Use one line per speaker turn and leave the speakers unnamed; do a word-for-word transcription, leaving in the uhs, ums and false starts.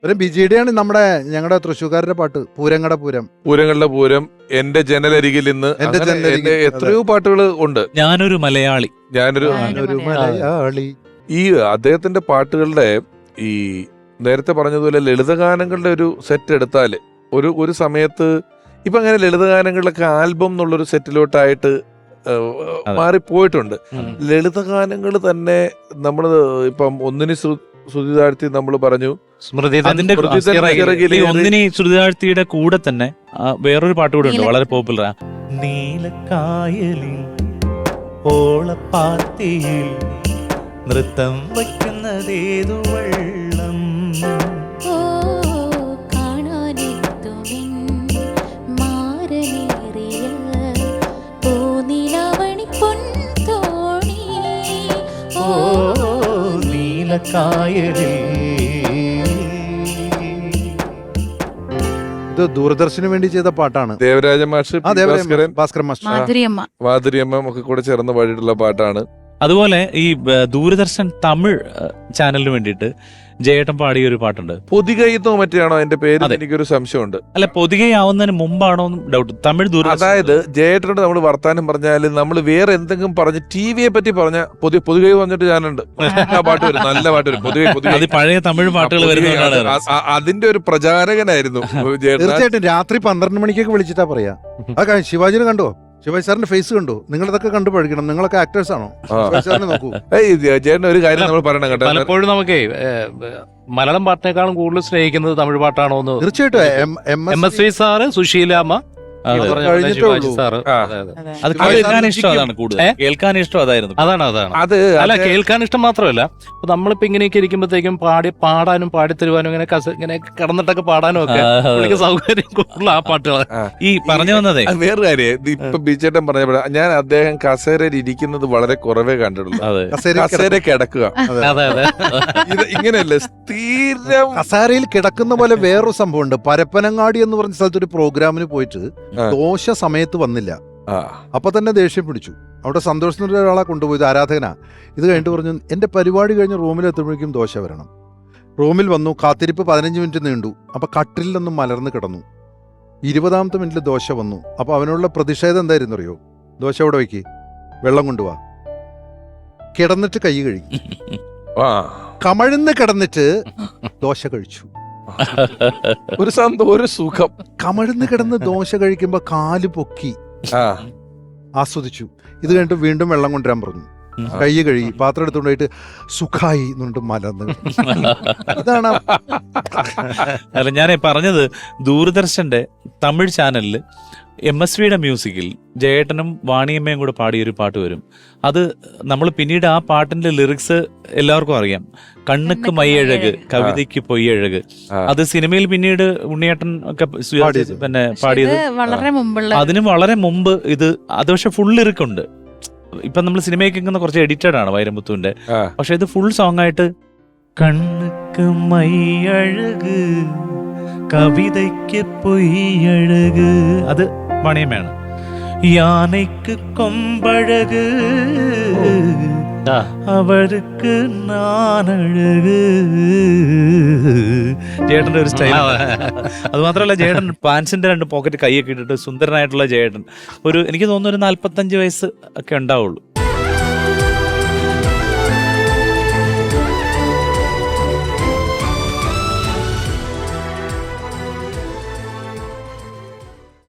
ഒരു ബിജിയുടെയാണ് നമ്മുടെ ഞങ്ങളുടെ തൃശ്ശൂർക്കാരുടെ പാട്ട് പൂരങ്ങടെ പൂരം.
പൂരങ്ങളുടെ പൂരം, എന്റെ ജനലരികിൽ ഇന്ന്,
എന്റെ
അങ്ങനെ
ജനലരികിൽ,
എന്റെ എത്രയോ പാട്ടുകൾ ഉണ്ട്.
ഞാനൊരു മലയാളി,
ഞാനൊരു
ഞാനൊരു മലയാളി.
ഈ അദ്ദേഹത്തിന്റെ പാട്ടുകളുടെ ഈ നേരത്തെ പറഞ്ഞതുപോലെ ലളിതഗാനങ്ങളുടെ ഒരു സെറ്റ് എടുത്താല് ഒരു ഒരു സമയത്ത് ഇപ്പൊ അങ്ങനെ ലളിതഗാനങ്ങളിലൊക്കെ ആൽബം എന്നുള്ളൊരു സെറ്റിലോട്ടായിട്ട് മാറിപ്പോയിട്ടുണ്ട്. ലളിതഗാനങ്ങൾ തന്നെ നമ്മൾ ഇപ്പം ഒന്നിന് ശ്രുതി താഴ്ത്തി നമ്മൾ പറഞ്ഞു,
അതിന്റെ ഒന്നിനി ശ്രുതി താഴ്ത്തിയുടെ കൂടെ തന്നെ വേറൊരു പാട്ട് കൂടെ ഉണ്ട് വളരെ പോപ്പുലർ. നീലക്കായലിൽ ഓളപ്പാത്തിയിൽ നൃത്തം വയ്ക്കുന്നതേതു വെള്ളം,
ഇത് ദൂരദർശന് വേണ്ടി ചെയ്ത പാട്ടാണ്.
ദേവരാജ മാഷ്,
ഭാസ്കരൻ മാസ്റ്റർ,
മാധുരിയമ്മ ഒക്കെ കൂടെ ചേർന്ന് പാടിയിട്ടുള്ള പാട്ടാണ്.
അതുപോലെ ഈ ദൂരദർശൻ തമിഴ് ചാനലിന് വേണ്ടിയിട്ട് ജയേട്ടൻ പാടിയ ഒരു പാട്ടുണ്ട്.
പൊതികൈത്തോ മറ്റാണോ എന്റെ പേര്, എനിക്കൊരു സംശയമുണ്ട്.
അല്ല, പൊതികയാവുന്നതിന് മുമ്പാണോ ഡൗട്ട്. തമിഴ് ദൂര
അതായത് ജയേട്ടനോട് നമ്മൾ വർത്താനം പറഞ്ഞാല് നമ്മൾ വേറെ എന്തെങ്കിലും പറഞ്ഞ് ടി വിയെ പറ്റി പറഞ്ഞ പൊതി പൊതുകൈ പറഞ്ഞിട്ട് ഞാനുണ്ട് ആ പാട്ട് വരും, നല്ല പാട്ട് വരും. പൊതുകൈ പൊതുകൈ
പഴയ തമിഴ് പാട്ടുകൾ വരുന്നതാണ്.
അതിന്റെ ഒരു പ്രചാരകനായിരുന്നു
തീർച്ചയായിട്ടും. രാത്രി പന്ത്രണ്ട് മണിക്കൊക്കെ വിളിച്ചിട്ടാ പറയാ. അത് ശിവാജിനെ കണ്ടോ, ശിവാജി സാറിന്റെ ഫേസ് കണ്ടു. നിങ്ങളിതൊക്കെ കണ്ടു പഠിക്കണം, നിങ്ങളൊക്കെ ആക്ടേഴ്സ് ആണോ? നോക്കൂ
ചേട്ടൻ ഒരു കാര്യം നമ്മൾ പറയണം കേട്ടോ.
പലപ്പോഴും നമുക്ക് മലയാളം പാട്ടിനേക്കാളും കൂടുതൽ സ്നേഹിക്കുന്നത് തമിഴ് പാട്ടാണോ എന്ന്.
തീർച്ചയായിട്ടും.
M S V sir, Susheelamma,
അത് കേൾക്കാൻ ഇഷ്ടം അതാണ് കൂടുതൽ, കേൾക്കാൻ ഇഷ്ടം അതായിരുന്നു.
അതാണ് അതാണ് അത് അല്ല, കേൾക്കാൻ ഇഷ്ടം മാത്രമല്ല, ഇപ്പൊ നമ്മളിപ്പോ ഇങ്ങനെയൊക്കെ ഇരിക്കുമ്പോഴത്തേക്കും പാടി പാടാനും പാടിത്തരുവാനും ഇങ്ങനെ ഇങ്ങനെ കിടന്നിട്ടൊക്കെ പാടാനും ഒക്കെ സൗകര്യം കൂടുതൽ ആ പാട്ടുകൾ.
ഈ പറഞ്ഞു വന്നതേ
വേറെ കാര്യം, ഇപ്പൊ ബിജേട്ടൻ പറഞ്ഞപ്പോഴ ഞാൻ അദ്ദേഹം കസേരയിൽ ഇരിക്കുന്നത് വളരെ കുറവേ കണ്ടിട്ടുള്ളൂ. കസേര കിടക്കുക,
അതെ അതെ,
ഇത് ഇങ്ങനെയല്ലേ സ്ഥിരം
കസേരയിൽ കിടക്കുന്ന പോലെ വേറൊരു സംഭവമുണ്ട്. പരപ്പനങ്ങാടി എന്ന് പറഞ്ഞ സ്ഥലത്ത് ഒരു പ്രോഗ്രാമിന് പോയിട്ട് ദോശ സമയത്ത് വന്നില്ല. അപ്പൊ തന്നെ ദേഷ്യം പിടിച്ചു. അവിടെ സന്തോഷത്തിന്റെ ഒരാളെ കൊണ്ടുപോയത്, ആരാധകനാ. ഇത് കഴിഞ്ഞിട്ട് പറഞ്ഞു, എന്റെ പരിപാടി കഴിഞ്ഞ് റൂമിൽ എത്തുമ്പോഴേക്കും ദോശ വരണം. റൂമിൽ വന്നു, കാത്തിരിപ്പ് പതിനഞ്ച് മിനിറ്റ് നീണ്ടു. അപ്പൊ കട്ടിലിൽ നിന്നും മലർന്ന് കിടന്നു. ഇരുപതാമത്തെ മിനിറ്റിൽ ദോശ വന്നു. അപ്പൊ അവനുള്ള പ്രതിഷേധം എന്തായിരുന്നു അറിയോ? ദോശ അവിടെ വയ്ക്ക്, വെള്ളം കൊണ്ടുപോവാ, കിടന്നിട്ട് കൈ കഴുകി, കമഴ്ന്ന് കിടന്നിട്ട് ദോശ കഴിച്ചു.
ഒരു സന്തോഷം, ഒരു സുഖം.
കമഴ്ന്ന് കിടന്ന് ദോശ കഴിക്കുമ്പോ കാല് പൊക്കി ആസ്വദിച്ചു. ഇത് കഴിഞ്ഞിട്ട് വീണ്ടും വെള്ളം കൊണ്ടുവരാൻ പറഞ്ഞു. കൈ കഴുകി പാത്രം എടുത്തുകൊണ്ടായിട്ട് സുഖായി എന്നുകൊണ്ട് മലർന്ന്. ഇതാണ്
അല്ല ഞാൻ പറഞ്ഞത്. ദൂരദർശന്റെ തമിഴ് ചാനലില് എം എസ് വിയുടെ മ്യൂസിക്കിൽ ജയേട്ടനും വാണിയമ്മയും കൂടെ പാടിയൊരു പാട്ട് വരും. അത് നമ്മൾ പിന്നീട് ആ പാട്ടിന്റെ ലിറിക്സ് എല്ലാവർക്കും അറിയാം. കണ്ണുക്ക് മയ്യഴക്, കവിതയ്ക്ക് പൊയ്യഴക്. അത് സിനിമയിൽ പിന്നീട് ഉണ്ണിയേട്ടൻ ഒക്കെ പിന്നെ പാടിയത് അതിന് വളരെ മുമ്പ്. ഇത് അത് പക്ഷെ ഫുൾ ലിറിക്കുണ്ട്. ഇപ്പൊ നമ്മൾ സിനിമയിൽ കേൾക്കുന്ന കുറച്ച് എഡിറ്റഡ് ആണ് വൈരമുത്തുവിന്റെ. പക്ഷെ ഇത് ഫുൾ സോങ് ആയിട്ട് കണ്ണുക്ക് മയ്യഴക്, കവിതയ്ക്ക് പൊയ്യഴക്, അത് വാണിയമ്മയാണ്. യാനയ്ക്ക് കൊമ്പഴക്, അവർക്ക് നാനഴക്. ജയേട്ടന്റെ ഒരു സ്റ്റൈൽ. അത് മാത്രമല്ല, ജയേട്ടൻ പാൻസിന്റെ രണ്ട് പോക്കറ്റ് കൈയൊക്കെ ഇട്ടിട്ട് സുന്ദരനായിട്ടുള്ള ജയേട്ടൻ. ഒരു എനിക്ക് തോന്നുന്നു ഒരു നാല്പത്തഞ്ച് വയസ്സ് ഒക്കെ ഉണ്ടാവുള്ളൂ.